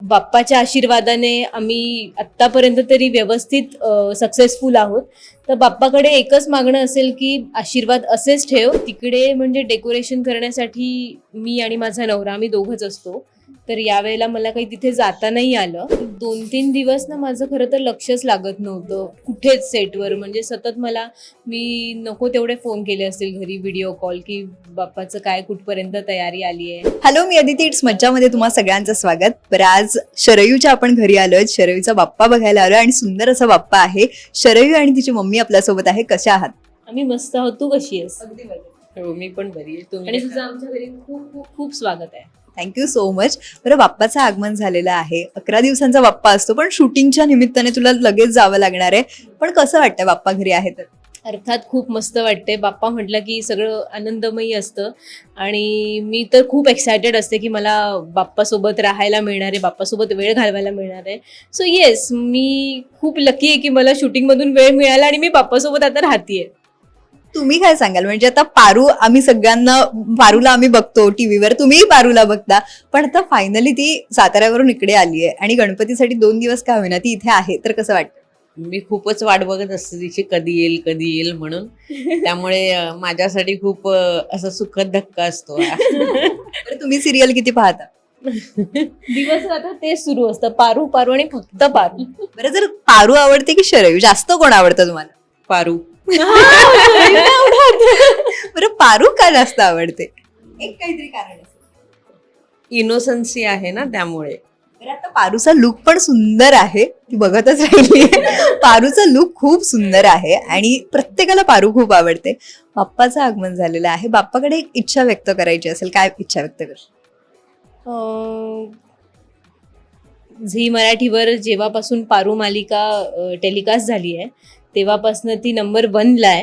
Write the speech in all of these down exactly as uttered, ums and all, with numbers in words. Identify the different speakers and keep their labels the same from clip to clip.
Speaker 1: बाप्पाच्या आशीर्वादाने आम्ही आत्तापर्यंत तरी व्यवस्थित सक्सेसफुल आहोत. तर बाप्पाकडे एकच मागणं असेल की आशीर्वाद असेच ठेव. तिकडे म्हणजे डेकोरेशन करण्यासाठी मी आणि माझा नवरा आम्ही दोघंच असतो. तर यावेळेला मला काही तिथे जाता नाही आलं. दोन तीन दिवस ना माझं खरं तर लक्षच लागत नव्हतं कुठेच सेटवर. म्हणजे सतत मला मी नको तेवढे फोन केले असतील घरी व्हिडिओ कॉल की बाप्पाचं काय कुठपर्यंत तयारी आली आहे.
Speaker 2: हॅलो, मी अदिती. इट्स मज्जामध्ये तुम्हा सगळ्यांचं स्वागत. बरं, आज शरयूच्या आपण घरी आलोय. शरयूचा बाप्पा बघायला आलोय आणि सुंदर असा बाप्पा आहे. शरयू आणि तिची मम्मी आपल्यासोबत आहे. कशा आहात?
Speaker 1: आम्ही मस्त आहोत. तू कशी आहेस?
Speaker 3: अगदी बरोबर. हो, मी पण बरी आहे. तुम्ही
Speaker 1: आणि तुझं आमच्या घरी खूप खूप खूप स्वागत आहे.
Speaker 2: Thank you so much. बरं, बाप्पाचं आगमन झालेलं आहे. अकरा दिवसांचा बाप्पा असतो, पण शूटिंगच्या निमित्ताने तुला लगेच जावं लागणार आहे. पण कसं वाटतंय बाप्पा घरी आहे तर?
Speaker 1: अर्थात खूप मस्त वाटते. बाप्पा म्हटलं की सगळं आनंदमयी असतं आणि मी तर खूप एक्सायटेड असते की मला बाप्पासोबत राहायला मिळणार आहे, बाप्पासोबत वेळ घालवायला मिळणार आहे. सो येस, मी खूप लकी आहे की मला शूटिंगमधून वेळ मिळाला आणि मी बाप्पासोबत आता राहतीये.
Speaker 2: तुम्ही काय सांगाल? म्हणजे आता पारू, आम्ही सगळ्यांना पारूला आम्ही बघतो टीव्हीवर, तुम्हीही पारूला बघता, पण आता फायनली ती साताऱ्यावरून इकडे आली आहे आणि गणपतीसाठी दोन दिवस का होईना ती इथे आहे. तर कसं वाटतं?
Speaker 3: मी खूपच वाट बघत असते तिची, कधी येईल कधी येईल म्हणून. त्यामुळे अं, माझ्यासाठी खूप अं, असं सुखद धक्का असतो.
Speaker 2: बरं, तुम्ही सिरियल किती पाहता?
Speaker 1: दिवस आता तेच सुरू असतं, पारू पारू आणि फक्त पारू.
Speaker 2: बरं, जर पारू आवडते की शरयू, जास्त कोण आवडतं तुम्हाला?
Speaker 3: पारू.
Speaker 2: बरं, पारू का जास्त आवडते? एक काहीतरी कारण असेल.
Speaker 3: इनोसन्सी आहे ना, त्यामुळे.
Speaker 2: बरं, आता पारूचा लुक पण सुंदर आहे. ती बघतच राहिली. पारूचा लुक खूप सुंदर आहे आणि प्रत्येकाला पारू खूप आवडते. बाप्पाचं आगमन झालेलं आहे. बाप्पाकडे एक इच्छा व्यक्त करायची असेल, काय इच्छा व्यक्त कर?
Speaker 1: अं, झी मराठीवर जेव्हापासून पारू मालिका टेलिकास्ट झाली आहे तेव्हापासून ती नंबर वनला आहे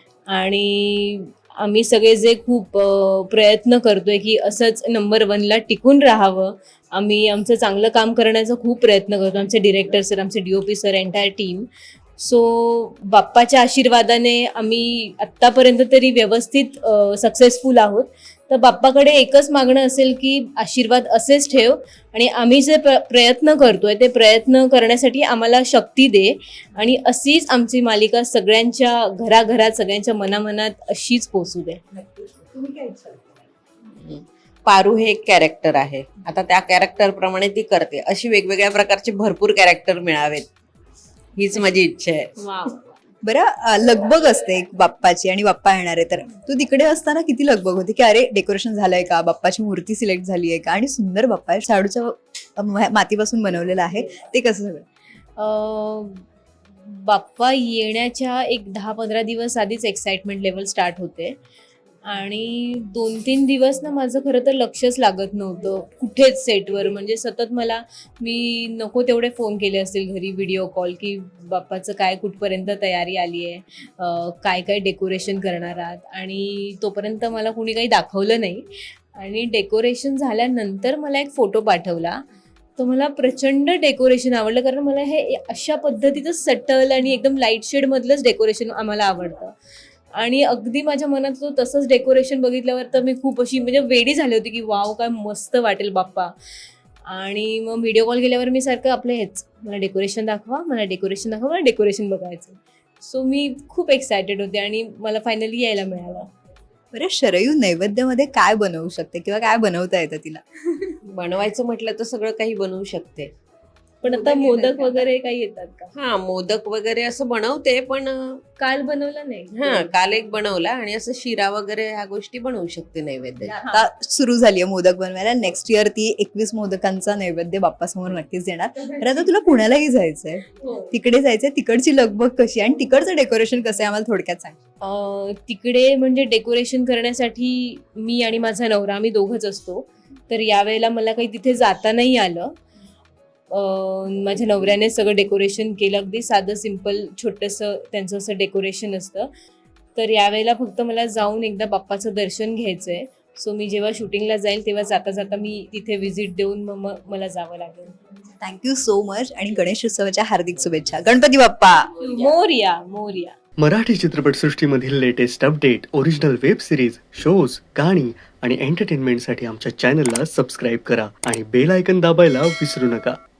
Speaker 1: आणि आम्ही सगळे जे खूप अ, प्रयत्न करतोय की असंच नंबर वनला टिकून राहावं. आम्ही आमचं चांगलं काम करण्याचा खूप प्रयत्न करतो, आमचे डिरेक्टर सर, आमचे D O P sir, entire team. So बाप्पाच्या आशीर्वादाने आम्ही आत्तापर्यंत तरी व्यवस्थित सक्सेसफुल आहोत. तर बाप्पाकडे एकच मागणं असेल की आशीर्वाद असेच ठेव आणि आम्ही जे प्र प्रयत्न करतोय ते प्रयत्न करण्यासाठी आम्हाला शक्ती दे आणि अशीच आमची मालिका सगळ्यांच्या घराघरात, सगळ्यांच्या मनामनात अशीच पोचू दे.
Speaker 2: तुम्ही काय इच्छा?
Speaker 3: पारू हे एक कॅरेक्टर आहे. आता त्या कॅरेक्टर प्रमाणे ती करते. अशी वेगवेगळ्या प्रकारचे भरपूर कॅरेक्टर मिळावेत, हीच माझी इच्छा आहे.
Speaker 2: बरं, अ, लगबग असते एक बाप्पाची आणि बाप्पा येणार आहे, तर तू तिकडे असताना किती लगबग होती की अरे डेकोरेशन झालंय का, बाप्पाची मूर्ती सिलेक्ट झाली आहे का? आणि सुंदर बाप्पा आहे, शाडूच्या अ, मातीपासून बनवलेलं आहे, ते कसं सगळं?
Speaker 1: अ, बाप्पा येण्याच्या एक दहा पंधरा दिवस आधीच एक्साइटमेंट लेवल स्टार्ट होते आणि दोन तीन दिवस ना माझं खरं तर लक्षच लागत नव्हतं कुठेच सेटवर. म्हणजे सतत मला मी नको तेवढे फोन केले असतील घरी व्हिडिओ कॉल की बाप्पाचं काय कुठपर्यंत तयारी आली आहे, काय काय डेकोरेशन करणार आहात, आणि तोपर्यंत मला कुणी काही दाखवलं नाही. आणि डेकोरेशन झाल्यानंतर मला एक फोटो पाठवला, तर मला प्रचंड डेकोरेशन आवडलं, कारण मला हे अशा पद्धतीचं सटल आणि एकदम लाईट शेडमधलंच डेकोरेशन आम्हाला आवडतं. आणि अगदी माझ्या मनात तो तसंच डेकोरेशन बघितल्यावर तर मी खूप अशी म्हणजे वेडी झाली होती की वाव, काय मस्त वाटेल बाप्पा. आणि मग व्हिडिओ कॉल केल्यावर मी सारखं आपलं हेच, मला डेकोरेशन दाखवा, मला डेकोरेशन दाखवा, मला डेकोरेशन बघायचं. सो मी खूप एक्सायटेड होते आणि मला फायनली यायला मिळालं.
Speaker 2: बरं, शरयू नैवेद्यामध्ये काय बनवू शकते किंवा काय बनवता येतं तिला?
Speaker 3: बनवायचं म्हटलं तर सगळं काही बनवू शकते.
Speaker 1: पण आता मोदक वगैरे काही येतात का?
Speaker 3: हा, मोदक वगैरे असं बनवते, पण अं,
Speaker 1: काल बनवलं नाही.
Speaker 3: हा, काल एक बनवला आणि असं शिरा वगैरे ह्या गोष्टी बनवू शकते नैवेद्य.
Speaker 2: आता सुरू झाली आहे मोदक बनवायला. नेक्स्ट इयर ती एकवीस मोदकांचा नैवेद्य बाप्पासमोर नक्कीच देणार. तर आता तुला पुण्यालाही जायचंय,
Speaker 1: हो.
Speaker 2: तिकडे जायचंय. तिकडची लगबग कशी आणि तिकडचं डेकोरेशन कसं आहे आम्हाला थोडक्यात सांग.
Speaker 1: अं, तिकडे म्हणजे डेकोरेशन करण्यासाठी मी आणि माझा नवरा आम्ही दोघंच असतो. तर यावेळेला मला काही तिथे जाता नाही आलं. अं, माझ्या नवऱ्याने सगळं डेकोरेशन केलं, अगदी साधं सिम्पल छोटंसं त्यांचं असं डेकोरेशन असतं. तर यावेळेला फक्त मला जाऊन एकदा बाप्पाचं दर्शन घ्यायचं आहे. सो मी जेव्हा शूटिंगला जाईल तेव्हा जाता जाता मी तिथे व्हिजिट देऊन मग मग मला जावं लागेल.
Speaker 2: थँक्यू सो मच आणि गणेश उत्सवाच्या हार्दिक शुभेच्छा. गणपती बाप्पा
Speaker 1: मोरया मोरया.
Speaker 4: मराठी चित्रपटसृष्टीमधील latest update, original web series, shows, गाणी आणि एंटरटेनमेंटसाठी आमच्या चॅनलला सबस्क्राईब करा आणि बेल आयकन दाबायला विसरू नका.